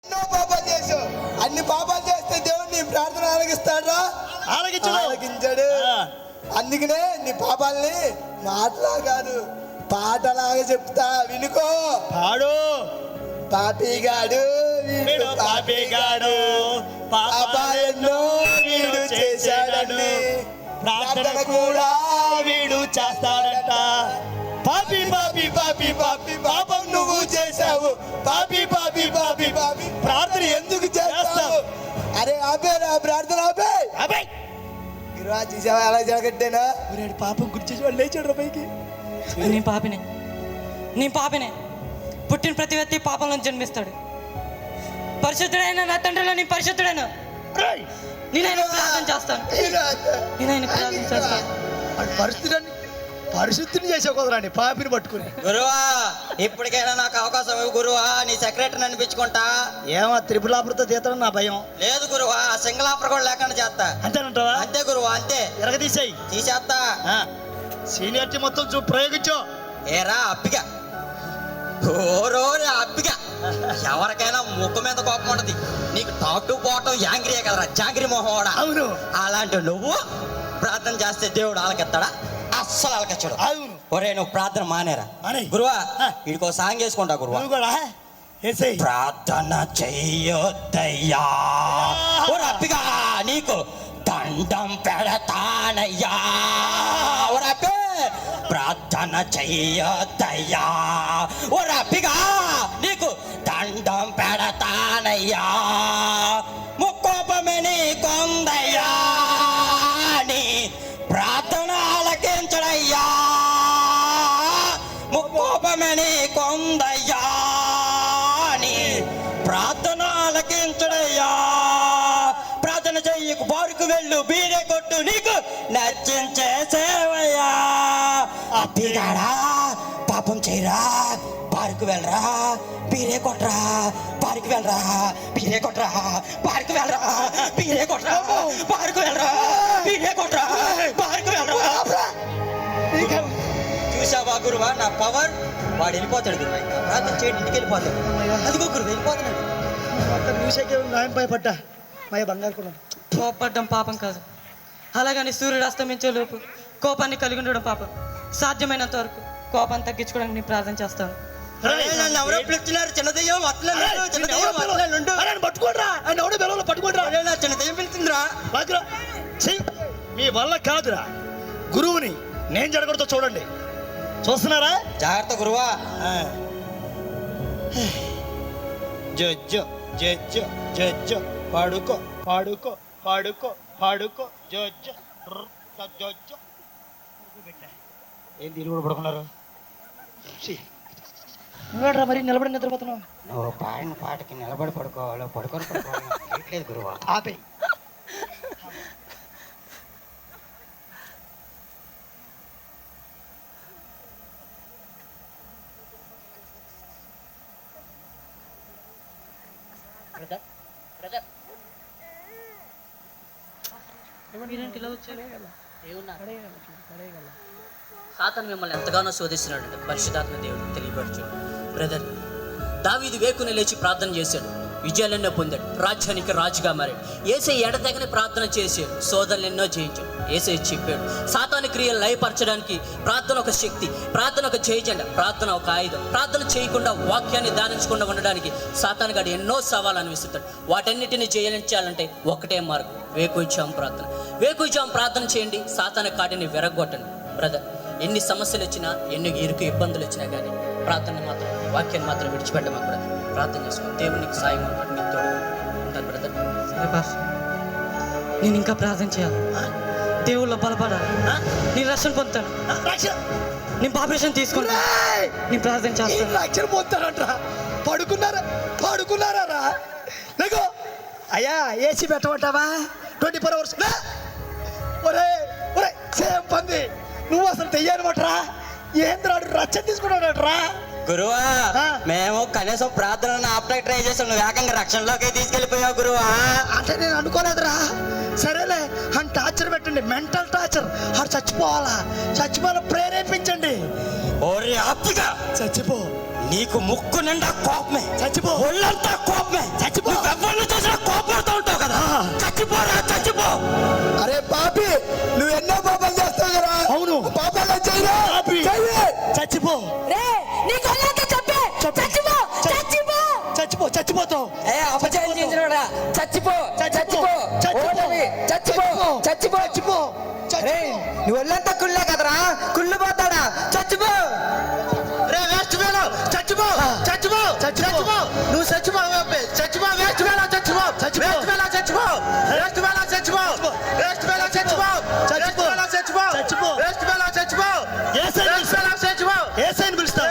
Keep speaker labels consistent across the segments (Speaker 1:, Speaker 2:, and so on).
Speaker 1: ఎన్నో పాపాలు చేసావు. అన్ని పాపాలు చేస్తే దేవుడు నీ ప్రార్థన ఆలకిస్తాడా? ఆలకించాడు. అందుకనే నీ పాపాలని మాటలా కాదు పాటలాగా చెప్తా, వినుకో.
Speaker 2: పాడు.
Speaker 1: పాపిగాడు వీడు, పాపిగాడు పాపాలెన్నో వీడు చేశాడని
Speaker 2: ప్రార్థన కూడా వీడు చేస్తాడంట.
Speaker 1: పాపి పాపి పాపి పాపి పాపం నువ్వు చేశావు. పాపి పాపి పాపి పాపి ప్రార్థన ఎందుకు చేస్తావు? అరే ఆపేరా ప్రార్థన, ఆపే.
Speaker 2: అబ్బాయి
Speaker 1: ఇరువా చూసావా ఎలా జరగట్టేనా?
Speaker 2: పాపం గుర్చేసి వాళ్ళు లేచాడు పైకి.
Speaker 3: నీ పాపినే పుట్టిన ప్రతి వ్యక్తి పాపంలో జన్మిస్తాడు. పరిశుద్ధుడైన నా తండ్రిలో నీ పరిశుద్ధుడైన నేనైనా ప్రార్థన చేస్తాను. నేనైనా ప్రార్థన చేస్తాను.
Speaker 2: పరిశుద్ధిని చేసే కుదరండి పాపిని పట్టుకుని.
Speaker 4: గురువా ఇప్పటికైనా నాకు అవకాశం ఇవ్వు గురువా, నీ సెక్రటరీని అనిపించుకుంటా.
Speaker 2: ఏమో త్రిపులాపురతో తీతడం నా భయం.
Speaker 4: లేదు గురువా, సింగిల్ ఆఫర్ కూడా లేకుండా చేస్తా.
Speaker 2: అంతేనంటావా?
Speaker 4: అంతే గురువా, అంతే.
Speaker 2: ఎరగదీసేయి,
Speaker 4: తీసేస్తా.
Speaker 2: సీనియారిటీ మొత్తం ప్రయోగించు.
Speaker 4: ఏరా అప్పిగా, ఓరోరే అప్పిగా, ఎవరికైనా ముక్కు మీద కోపం ఉంటది. నీకు టాప్ టు బాటం యాంగ్రీయే కదరా, జాంగ్రీ మొహం.
Speaker 2: అవును.
Speaker 4: అలాంటి నువ్వు ప్రార్థన చేస్తే దేవుడు ఆలకెత్తాడా? అస్సలు ఆలకెచ్చాడు.
Speaker 2: అవును.
Speaker 4: ఒరే నువ్వు ప్రార్థన మానేరా
Speaker 2: మానేయ్.
Speaker 4: గురువా. వీడికో సాంగ్ వేసుకుంటా గురువా.
Speaker 2: నువ్వు కూడా ఏసేయ్.
Speaker 4: ప్రార్థన చెయ్యొద్దయ్యా, ఓ రప్పిగా నీకు దండం పెడతానయ్యా. ఓ రప్పి ప్రార్థన చెయ్యొద్దయ్యా, ఓ రప్పిగా నీకు దండం పెడతానయ్యా. ముక్కోపమే నీ కొందయ్యా, నీ ప్రార్థన ఆలకించడయ్యా. ముక్కోపమే నీ కొందయ్యా, నీ ప్రార్థన ఆలకించడయ్యా. ప్రార్థన చెయ్యకు, బారుకు వెళ్ళు, బీరే కొట్టు, నీకు నచ్చించే సేవయ్యా. అప్పిగాడా పాపం చేయరా, బారుకు వెళ్ళరా, బీరే కొట్రా, బారుకు వెళ్ళరా, బీరే కొట్రా, బారుకు వెళ్ళరా, బీరే కొట్రా, బారుకు వెళ్ళరా, బీరే కొట్రా, బారుకు వెళ్ళరా. చూసావా గురువా నా పవర్? వాడు వెళ్ళిపోతాడు గురువా, ప్రార్థన చేయండి, ఇంటికి వెళ్ళిపోతాడు. అదిగో గురువు వెళ్ళిపోతున్నాడు.
Speaker 2: భయపడ్డా మయ బంగారు కూడా.
Speaker 3: కోపడ్డం పాపం కాదు, అలాగని సూర్యుడు అస్తమించే లోపు కోపాన్ని కలిగి ఉండడం పాపం. సాధ్యమైనంత వరకు కోపాన్ని తగ్గించుకోవడానికి నేను ప్రార్థన చేస్తాను.
Speaker 4: నన్ను ఎవరో పిలుస్తున్నారు, చిన్న దెయ్యం అట్లే చిన్న దెయ్యం
Speaker 2: పట్టుకోండిరా, ఆయన ఎవడో బెలవలో పట్టుకోండిరా.
Speaker 4: చిన్న దెయ్యం పిలుస్తుందిరా.
Speaker 2: మీ వల్ల కాదురా, గురువుని నేను జరగడంతో చూడండి. చూస్తున్నారా?
Speaker 4: జాగ్రత్త గురువా.
Speaker 2: జజ్జో జజ్జో జజ్జో పాడుకో పాడుకో పాడుకో పాడుకో జజ్జో జజ్జో. ఏంటి ఇల్లు కూడా పడుకున్నారు? నువ్వేట్రా మరి నిలబడి నిద్రపోతున్నావు?
Speaker 4: నువ్వు పాడిన పాటకి నిలబడి పడుకోవాలో పడుకొని పడుకోవాలి గురువా.
Speaker 2: ఆపే.
Speaker 5: సాతాను మిమ్మల్ని ఎంతగానో శోధిస్తున్నాడు పరిశుద్ధాత్మ దేవుడు తెలియపరచు. బ్రదర్, దావీదు వేకుని లేచి ప్రార్థన చేశాడు, విజయాలెన్నో పొందాడు, రాజ్యానికి రాజుగా మారాడు. యేసే ఎడతెగని ప్రార్థన చేశాడు, శోధనలు ఎన్నో జయించాడు. యేసే చెప్పాడు, సాతాను క్రియలు లయపరచడానికి ప్రార్థన ఒక శక్తి, ప్రార్థన ఒక జయజెండ, ప్రార్థన ఒక ఆయుధం. ప్రార్థన చేయకుండా, వాక్యాన్ని ధ్యానించకుండా ఉండడానికి సాతాను గాడు ఎన్నో సవాళ్ళను విసురుతాడు. వాటన్నిటిని జయించాలంటే ఒకటే మార్గం, వేకువజాము ప్రార్థన. వేకువజాము ప్రార్థన చేయండి, సాతాను కాటిని విరగొట్టండి. బ్రదర్, ఎన్ని సమస్యలు వచ్చినా, ఎన్ని ఇరుకు ఇబ్బందులు వచ్చినా కానీ ప్రార్థన మాత్రం, వాక్యాన్ని మాత్రం విడిచిపెట్టమా బ్రదర్. ప్రార్థన చేసుకో, దేవునికి సాయం ఉంటాడు, నీకు తోడుగా ఉంటాను బ్రదర్.
Speaker 3: నేను ఇంకా ప్రార్థన చేయాలి, దేవుళ్ళో బలపడాలి, నేను రక్షణ పొందుతాను, నేను బాప్టిజం తీసుకుంటాను, నేను ప్రార్థన చేస్తాను.
Speaker 2: రక్షణ పొందుతారంటరా? పడుకున్నారా? లేకో అయ్యా, ఏసీ పెట్టమంటావా? 24 hours. ఒరే ఒరే సేమ్ పంది, నువ్వు అసలు తెయ్యనమాటరా? ఏంద్రాడు రక్షణ తీసుకున్నాడట్రా?
Speaker 4: గురువా మేము కనీసం ప్రార్థనను ఆపడానికి ట్రై చేసాం, నువ్వు ఏకంగా రక్షణలోకి తీసుకెళ్ళిపోయావు గురువా.
Speaker 2: అంటే నేను అనుకోలేదురా. సరేలే, అని టార్చర్ పెట్టండి, మెంటల్ టార్చర్. ఆడు చచ్చిపోవాలా ప్రేరేపించండి.
Speaker 4: ఓరి అప్పిగా
Speaker 2: చచ్చిపో.
Speaker 4: నీకు ముక్కు నిండా కోపమే,
Speaker 2: చచ్చిపో.
Speaker 4: ఒళ్ళంతా కోపమే,
Speaker 2: చచ్చిపో.
Speaker 4: ఎవరిని చూసినా కోపడుతూ ఉంటావు కదా. చచ్చిపోరా, చచ్చిపో.
Speaker 1: అరే పాపి, నువ్వు ఎన్నో పాపాలు చేస్తావు కదా.
Speaker 2: అవును.
Speaker 1: పాపాలు చేయరా.
Speaker 2: పాపి.
Speaker 1: చెయ్యి.
Speaker 2: చచ్చిపో
Speaker 3: రే నీకు అలాగే చెప్పే చచ్చిపో చచ్చిపో
Speaker 2: చచ్చిపో చచ్చిపోతావు.
Speaker 3: అపజయం చేసినోడా చచ్చిపో చచ్చిపో ఓటమి చచ్చిపో చచ్చిపో
Speaker 2: చచ్చిపో
Speaker 1: నువ్వు ఒళ్ళంతా కుళ్ళే కదరా, కుళ్ళు పోతాడా. చచ్చిపో.
Speaker 2: రే వేస్ట్ వేలో చచ్చిపో చచ్చిపో చచ్చిపో నువ్వు చచ్చిపో చచ్చిపో వేస్ట్ వేలో చచ్చిపో వేస్ట్ వేలో చచ్చిపో వేస్ట్ వేలో చచ్చిపో వేస్ట్ వేలో చచ్చిపో చచ్చిపో చచ్చిపో చచ్చిపో వేస్ట్ వేలో చచ్చిపో వేస్ట్ వేలో చచ్చిపో ఏసైని పిలుస్తా.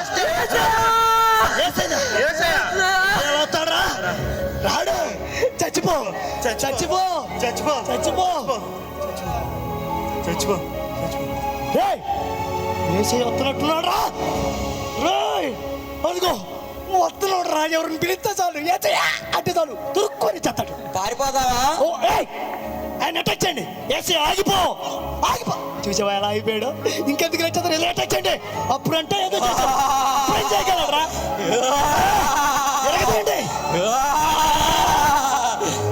Speaker 2: ఏసయ్యా రాడు. చచ్చిపో చచ్చిపో చచ్చిపో చచ్చిపో చచ్చిపో ఏసయ్య వస్తున్నట్టున్నాడు రా. రేయ్ అదిగో వస్తున్నాడు రా. ఎవరిని పిలిస్తే చాలు ఏసయ్య అంటే చాలు తురుక్కొని చేస్తాడు.
Speaker 4: పారిపోదావా?
Speaker 2: ఓ ఏయ్ ఆయన అటాక్ చేయండి. ఏసయ్య ఆగిపో ఆగిపో. చూసావా ఎలా అయిపోయాడు. ఇంకెందుకు లేచేస్తారు ఇలా అటాక్ చేయండి. అప్పుడంటే ఏదో చేశాడు. అప్పుడేం చేయగలరా. ఎరగదండి.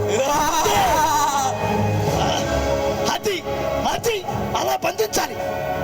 Speaker 2: అది అది అలా బంధించాలి.